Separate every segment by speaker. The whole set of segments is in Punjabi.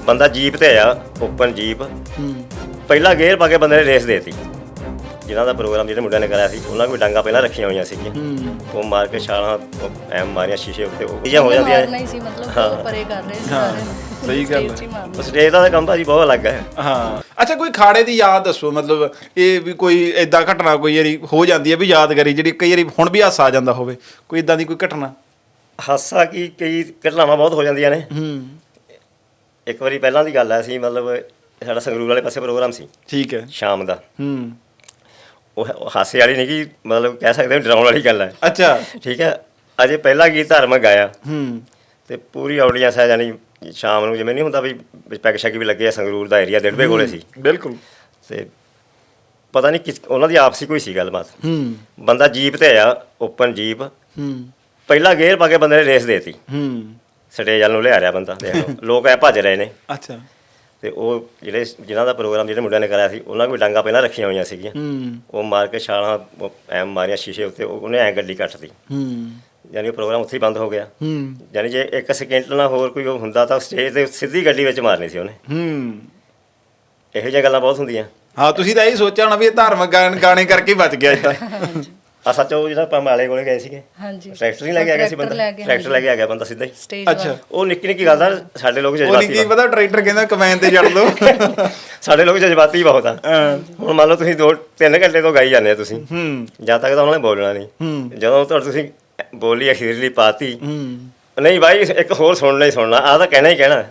Speaker 1: ਬੰਦਾ ਜੀਪ ਤੇ ਆਇਆ, ਓਪਨ ਜੀਪ। ਪਹਿਲਾ ਗੇਅਰ ਪਾ ਕੇ ਬੰਦੇ ਨੇ ਰੇਸ ਦੇਤੀ। ਜਿਨ੍ਹਾਂ ਦਾ ਪ੍ਰੋਗਰਾਮ ਜਿਹੜੇ ਮੁੰਡਿਆਂ ਨੇ ਕਰਾਇਆ ਸੀ ਉਹਨਾਂ ਕੋਲ ਡਾਂਗਾ ਪਹਿਲਾਂ ਰੱਖੀਆਂ ਹੋਈਆਂ ਸੀਗੀਆਂ। ਉਹ ਮਾਰ ਕੇ ਛਾਲਾਂ ਐਮ ਮਾਰੀਆਂ ਸ਼ੀਸ਼ੇ ਉੱਤੇ, ਉਹ ਚੀਜ਼ਾਂ ਹੋ ਜਾਂਦੀਆਂ
Speaker 2: ਨਹੀਂ ਸੀ ਮਤਲਬ ਪਰੇ ਕਰ ਰਹੇ ਸੀ ਸਾਰੇ ਨੂੰ।
Speaker 3: ਸਹੀ ਗੱਲ ਹੈ।
Speaker 1: ਸਟੇਜ ਦਾ ਕੰਮ ਭਾਜੀ ਬਹੁਤ ਅਲੱਗ ਹੈ।
Speaker 3: ਹਾਂ, ਅੱਛਾ ਕੋਈ ਖਾੜੇ ਦੀ ਯਾਦ ਦੱਸੋ, ਮਤਲਬ ਇਹ ਵੀ ਕੋਈ ਏਦਾਂ ਘਟਨਾ ਕੋਈ ਵਾਰੀ ਹੋ ਜਾਂਦੀ ਹੈ ਵੀ ਯਾਦਗਾਰੀ ਜਿਹੜੀ ਕਈ ਵਾਰੀ ਹੁਣ ਵੀ ਹਾਸਾ ਆ ਜਾਂਦਾ ਹੋਵੇ, ਕੋਈ ਇਦਾਂ ਦੀ ਕੋਈ ਘਟਨਾ?
Speaker 1: ਹਾਸਾ ਕੀ, ਕਈ ਘਟਨਾਵਾਂ ਬਹੁਤ ਹੋ ਜਾਂਦੀਆਂ ਨੇ। ਇੱਕ ਵਾਰੀ ਪਹਿਲਾਂ ਦੀ ਗੱਲ ਹੈ, ਅਸੀਂ ਮਤਲਬ ਸਾਡਾ ਸੰਗਰੂਰ ਵਾਲੇ ਪਾਸੇ ਪ੍ਰੋਗਰਾਮ ਸੀ,
Speaker 3: ਠੀਕ ਹੈ,
Speaker 1: ਸ਼ਾਮ ਦਾ। ਉਹ ਹਾਸੇ ਵਾਲੀ ਨਹੀਂ ਕਿ ਮਤਲਬ ਕਹਿ ਸਕਦੇ ਡਰਾਉਣ ਵਾਲੀ ਗੱਲ ਹੈ।
Speaker 3: ਅੱਛਾ,
Speaker 1: ਠੀਕ ਹੈ। ਅਜੇ ਪਹਿਲਾ ਗੀਤ ਧਾਰਮਿਕ ਗਾਇਆ ਤੇ ਪੂਰੀ ਆਡੀਅੰਸ ਹੈ, ਯਾਨੀ ਸ਼ਾਮ ਨੂੰ ਜਿਵੇਂ ਨਹੀਂ ਹੁੰਦਾ ਵੀ ਪੈਗ ਸ਼ੈਗ ਵੀ ਲੱਗੇ ਆ। ਸੰਗਰੂਰ ਦਾ ਏਰੀਆ ਦਿੜਬੇ ਕੋਲੇ ਸੀ
Speaker 3: ਬਿਲਕੁਲ।
Speaker 1: ਤੇ ਪਤਾ ਨਹੀਂ ਕਿਸ ਉਹਨਾਂ ਦੀ ਆਪਸੀ ਕੋਈ ਸੀ ਗੱਲਬਾਤ। ਬੰਦਾ ਜੀਪ ਤੇ ਆਇਆ, ਓਪਨ ਜੀਪ। ਪਹਿਲਾ ਗੇਅਰ ਪਾ ਕੇ ਬੰਦੇ ਨੇ ਰੇਸ ਦੇਤੀ। ਸਟੇਜ ਵੱਲ ਨੂੰ ਲਿਆ ਰਿਹਾ ਬੰਦਾ, ਦੇਖ ਲਓ ਲੋਕ ਐ ਭੱਜ ਰਹੇ ਨੇ।
Speaker 3: ਅੱਛਾ।
Speaker 1: ਤੇ ਉਹ ਜਿਹੜੇ ਜਿਨ੍ਹਾਂ ਦਾ ਪ੍ਰੋਗਰਾਮ ਜਿਹੜੇ ਮੁੰਡਿਆਂ ਨੇ ਕਰਾਇਆ ਸੀ ਉਹਨਾਂ ਕੋਲ ਡਾਂਗਾ ਪਹਿਲਾਂ ਰੱਖੀਆਂ ਹੋਈਆਂ ਸੀਗੀਆਂ। ਉਹ ਮਾਰ ਕੇ ਛਾਲਾਂ ਐਮ ਮਾਰੀਆਂ ਸ਼ੀਸ਼ੇ ਉੱਤੇ, ਉਹਨੇ ਐਂ ਗੱਡੀ ਕੱਟਤੀ। ਯਾਨੀ ਉਹ ਪ੍ਰੋਗਰਾਮ ਉੱਥੇ ਹੀ ਬੰਦ ਹੋ ਗਿਆ। ਯਾਨੀ ਜੇ ਇੱਕ ਸਕਿੰਟ ਨਾਲ ਹੋਰ ਕੋਈ ਹੁੰਦਾ ਤਾਂ ਸਟੇਜ ਤੇ ਸਿੱਧੀ ਗੱਡੀ ਵਿੱਚ ਮਾਰਨੀ ਸੀ ਉਹਨੇ। ਇਹੋ ਜਿਹੀਆਂ ਗੱਲਾਂ ਬਹੁਤ ਹੁੰਦੀਆਂ।
Speaker 3: ਹਾਂ, ਤੁਸੀਂ ਤਾਂ ਇਹ ਸੋਚਿਆ ਹੋਣਾ ਵੀ ਇਹ ਧਾਰਮਿਕ ਗਾਣੇ ਕਰਕੇ ਬਚ ਗਿਆ ਇੱਦਾਂ।
Speaker 1: ਸੱਚ, ਉਹ ਜਿਹੜਾ ਆਪਾਂ ਮਾਲੇ ਕੋਲੇ ਗਏ ਸੀਗੇ, ਟਰੈਕਟਰ ਨਹੀਂ ਲੈ ਕੇ ਆ ਗਿਆ ਸੀ ਬੰਦਾ, ਟਰੈਕਟਰ ਲੈ ਕੇ ਆ ਗਿਆ ਬੰਦਾ ਸਿੱਧਾ ਹੀ।
Speaker 3: ਅੱਛਾ,
Speaker 1: ਉਹ ਨਿੱਕੀ ਨਿੱਕੀ ਗੱਲ ਦਾ ਸਾਡੇ ਲੋਕ
Speaker 3: ਉਹ
Speaker 1: ਜਜ਼ਬਾਤੀ
Speaker 3: ਨਹੀਂ ਕੀ ਪਤਾ ਟਰੈਕਟਰ ਕਹਿੰਦਾ ਕਮੈਨ ਤੇ ਜੜ ਲਓ।
Speaker 1: ਸਾਡੇ ਲੋਕ ਜਜ਼ਬਾਤੀ ਬਹੁਤ ਆ। ਹੁਣ ਮੰਨ ਲਓ ਤੁਸੀਂ 2-3 ਘੰਟੇ ਤੋਂ ਗਾਈ ਜਾਂਦੇ ਆ ਤੁਸੀਂ, ਜਦ ਤੱਕ ਤਾਂ ਉਹਨਾਂ ਨੇ ਬੋਲਣਾ ਨਹੀਂ। ਜਦੋਂ ਤੁਸੀਂ ਬੋਲੀ ਅਖੀਰਲੀ ਪਾਤੀ, ਨਹੀਂ ਬਾਈ ਇੱਕ ਹੋਰ ਸੁਣਨਾ ਹੀ ਸੁਣਨਾ, ਆਹ ਤਾਂ ਕਹਿਣਾ ਹੀ ਕਹਿਣਾ।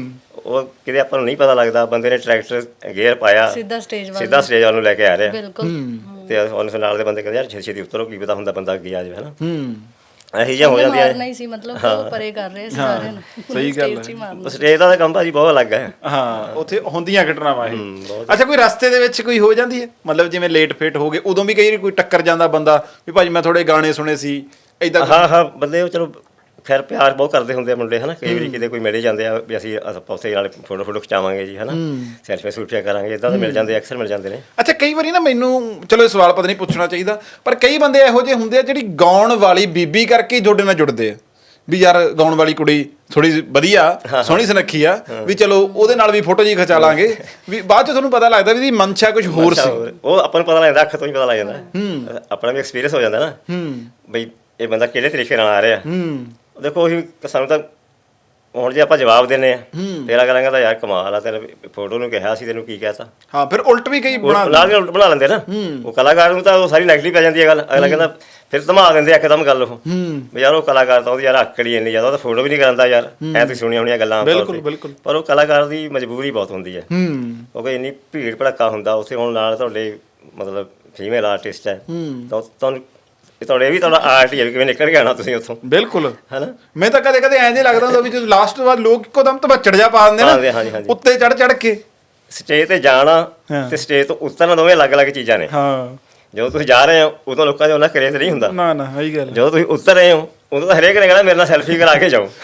Speaker 1: ਉਹ ਕਿਤੇ ਆਪਾਂ ਨੂੰ ਨਹੀਂ ਪਤਾ ਲੱਗਦਾ, ਬੰਦੇ ਨੇ ਟਰੈਕਟਰ ਗੇਅਰ ਪਾਇਆ, ਸਿੱਧਾ ਸਟੇਜ ਵੱਲ ਨੂੰ ਲੈ ਕੇ ਆ ਰਿਹਾ। ਤੇ ਉਹਨੇ ਨਾਲ ਦੇ ਬੰਦੇ ਕਹਿੰਦੇ ਯਾਰ ਛੇਤੀ ਉਤਰੋ, ਕੀ ਪਤਾ ਹੁੰਦਾ ਬੰਦਾ ਅੱਗੇ ਆ ਜਾਵੇ, ਹਨਾ। ਇਹੋ ਜਿਹੀਆਂ ਹੋ ਜਾਂਦੀਆਂ
Speaker 2: ਨਹੀਂ ਸੀ ਮਤਲਬ ਪਰੇ ਕਰ ਰਹੇ ਸੀ ਸਾਰੇ ਨੂੰ।
Speaker 3: ਸਹੀ ਗੱਲ ਹੈ।
Speaker 1: ਸਟੇਜ ਦਾ ਕੰਮ ਭਾਜੀ ਬਹੁਤ ਅਲੱਗ ਹੈ।
Speaker 3: ਹਾਂ, ਉੱਥੇ ਹੁੰਦੀਆਂ ਘਟਨਾਵਾਂ ਇਹ। ਅੱਛਾ, ਕੋਈ ਰਸਤੇ ਦੇ ਵਿੱਚ ਕੋਈ ਹੋ ਜਾਂਦੀ ਹੈ, ਮਤਲਬ ਜਿਵੇਂ ਲੇਟ ਫੇਟ ਹੋ ਗਏ ਉਦੋਂ ਵੀ ਕਈ ਵਾਰੀ ਕੋਈ ਟੱਕਰ ਜਾਂਦਾ ਬੰਦਾ ਵੀ ਭਾਜੀ ਮੈਂ ਥੋੜੇ ਗਾਣੇ ਸੁਣੇ ਸੀ ਏਦਾਂ?
Speaker 1: ਹਾਂ, ਬੰਦੇ ਉਹ ਚਲੋ ਖੈਰ ਪਿਆਰ ਬਹੁਤ ਕਰਦੇ ਹੁੰਦੇ ਆ ਮੁੰਡੇ, ਹਨਾ। ਕਈ ਵਾਰੀ ਕਿਤੇ ਕੋਈ ਮਿਲੇ ਜਾਂਦੇ ਆ ਵੀ ਅਸੀਂ ਉੱਥੇ ਨਾਲ ਫੋਟੋ ਖਿਚਾਵਾਂਗੇ ਜੀ, ਹਨਾ, ਸੈਲਫੀਆਂ ਸੂਲਫੀਆਂ ਕਰਾਂਗੇ, ਇੱਦਾਂ ਤਾਂ ਮਿਲ ਜਾਂਦੇ, ਅਕਸਰ ਮਿਲ ਜਾਂਦੇ ਨੇ।
Speaker 3: ਅੱਛਾ, ਕਈ ਵਾਰੀ ਨਾ ਮੈਨੂੰ, ਚਲੋ ਇਹ ਸਵਾਲ ਪਤਾ ਨਹੀਂ ਪੁੱਛਣਾ ਚਾਹੀਦਾ, ਪਰ ਕਈ ਬੰਦੇ ਇਹੋ ਜਿਹੇ ਹੁੰਦੇ ਆ ਜਿਹੜੀ ਗਾਉਣ ਵਾਲੀ ਬੀਬੀ ਕਰਕੇ ਹੀ ਤੁਹਾਡੇ ਨਾਲ ਜੁੜਦੇ ਆ ਵੀ ਯਾਰ ਗਾਉਣ ਵਾਲੀ ਕੁੜੀ ਥੋੜੀ ਵਧੀਆ ਸੋਹਣੀ ਸੁਨੱਖੀ ਆ, ਵੀ ਚਲੋ ਉਹਦੇ ਨਾਲ ਵੀ ਫੋਟੋ ਜੀ ਖਿਚਾ ਲਾਂਗੇ, ਵੀ ਬਾਅਦ ਚ ਤੁਹਾਨੂੰ ਪਤਾ ਲੱਗਦਾ ਵੀ ਇਹਦੀ ਮਨਸ਼ਾ ਕੁਝ ਹੋਰ ਸੀ।
Speaker 1: ਉਹ ਆਪਾਂ ਨੂੰ ਪਤਾ ਲੱਗਦਾ, ਅੱਖ ਤੋਂ ਹੀ ਪਤਾ ਲੱਗ ਜਾਂਦਾ, ਆਪਣਾ ਵੀ ਐਕਸਪੀਰੀਅੰਸ ਹੋ ਜਾਂਦਾ ਨਾ ਬਈ ਇਹ ਬੰਦਾ ਕਿਹੜੇ ਤਰੀਕੇ ਨਾਲ ਆ ਰਿਹਾ। ਦੇਖੋ ਉਹੀ ਸਾਨੂੰ ਤਾਂ ਹੁਣ ਜੇ ਆਪਾਂ ਜਵਾਬ ਦਿੰਦੇ ਆ ਤੇਰਾ ਕਰਾਂਗਾ ਤਾਂ ਯਾਰ ਕਮਾਲ ਆ, ਤੇਰੇ ਫੋਟੋ ਨੂੰ ਕਿਹਾ ਸੀ, ਤੈਨੂੰ ਕੀ ਕਹਿਤਾ।
Speaker 3: ਹਾਂ, ਫਿਰ ਉਲਟ ਵੀ ਕਈ
Speaker 1: ਉਲਟ ਬਣਾ ਲੈਂਦੇ ਨਾ। ਉਹ ਕਲਾਕਾਰ ਨੂੰ ਤਾਂ ਉਹ ਸਾਰੀ ਨੈਗੇਟਿਵ ਪੈ ਜਾਂਦੀ ਹੈ ਗੱਲ। ਅਗਲਾ ਕਹਿੰਦਾ ਫਿਰ ਧਮਾ ਦਿੰਦੇ ਇੱਕਦਮ ਗੱਲ ਉਹ ਵੀ ਯਾਰ ਉਹ ਕਲਾਕਾਰ ਤਾਂ ਉਹਦੀ ਯਾਰ ਆਕੜੀ ਇੰਨੀ ਜ਼ਿਆਦਾ, ਉਹ ਤਾਂ ਫੋਟੋ ਵੀ ਨਹੀਂ ਕਰਾਂਦਾ ਯਾਰ। ਐ ਤੁਸੀਂ ਸੁਣੀਆਂ ਹੋਣੀਆਂ ਗੱਲਾਂ,
Speaker 3: ਬਿਲਕੁਲ।
Speaker 1: ਪਰ ਉਹ ਕਲਾਕਾਰ ਦੀ ਮਜਬੂਰੀ ਬਹੁਤ ਹੁੰਦੀ ਹੈ ਕਿਉਂਕਿ ਇੰਨੀ ਭੀੜ ਭੜੱਕਾ ਹੁੰਦਾ ਉੱਥੇ। ਹੁਣ ਨਾਲ ਤੁਹਾਡੇ ਮਤਲਬ ਫੀਮੇਲ ਆਰਟਿਸਟ ਹੈ ਤਾਂ ਤੁਹਾਨੂੰ ਤੁਹਾਡੇ ਵੀ ਤੁਹਾਡਾ ਆਰਟ ਹੀ ਹੈ, ਕਿਵੇਂ ਨਿਕਲ ਕੇ ਆਉਣਾ ਤੁਸੀਂ ਉੱਥੋਂ।
Speaker 3: ਬਿਲਕੁਲ,
Speaker 1: ਹਨਾ।
Speaker 3: ਮੈਂ ਤਾਂ ਕਦੇ ਕਦੇ ਐਂ ਜੇ ਲੱਗਦਾ ਹੁੰਦਾ ਵੀ ਜਦੋਂ ਲਾਸਟ ਤੋਂ ਬਾਅਦ ਲੋਕ ਇੱਕੋ ਦਮ ਧਵੱਚੜ ਜਾ ਪਾ ਦਿੰਦੇ ਨਾ ਉੱਤੇ ਚੜ ਕੇ।
Speaker 1: ਸਟੇਜ ਤੇ ਜਾਣਾ ਤੇ ਸਟੇਜ ਤੋਂ ਉਤਰਨਾ ਦੋਵੇਂ ਅਲੱਗ-ਅਲੱਗ ਚੀਜ਼ਾਂ ਨੇ। ਜਦੋਂ ਤੁਸੀਂ ਜਾ ਰਹੇ ਹੋ ਉਦੋਂ ਲੋਕਾਂ ਦੇ ਉਹਨਾਂ ਕਰੇਜ਼ ਨਹੀਂ ਹੁੰਦਾ।
Speaker 3: ਨਾ, ਸਹੀ ਗੱਲ।
Speaker 1: ਜਦੋਂ ਤੁਸੀਂ ਉਤਰ ਰਹੇ ਹੋ ਉਦੋਂ ਤਾਂ ਹਰੇਕ ਨੇ ਕਹਿਣਾ ਮੇਰੇ ਨਾਲ ਸੈਲਫੀ ਕਰਾ ਕੇ ਜਾਓ।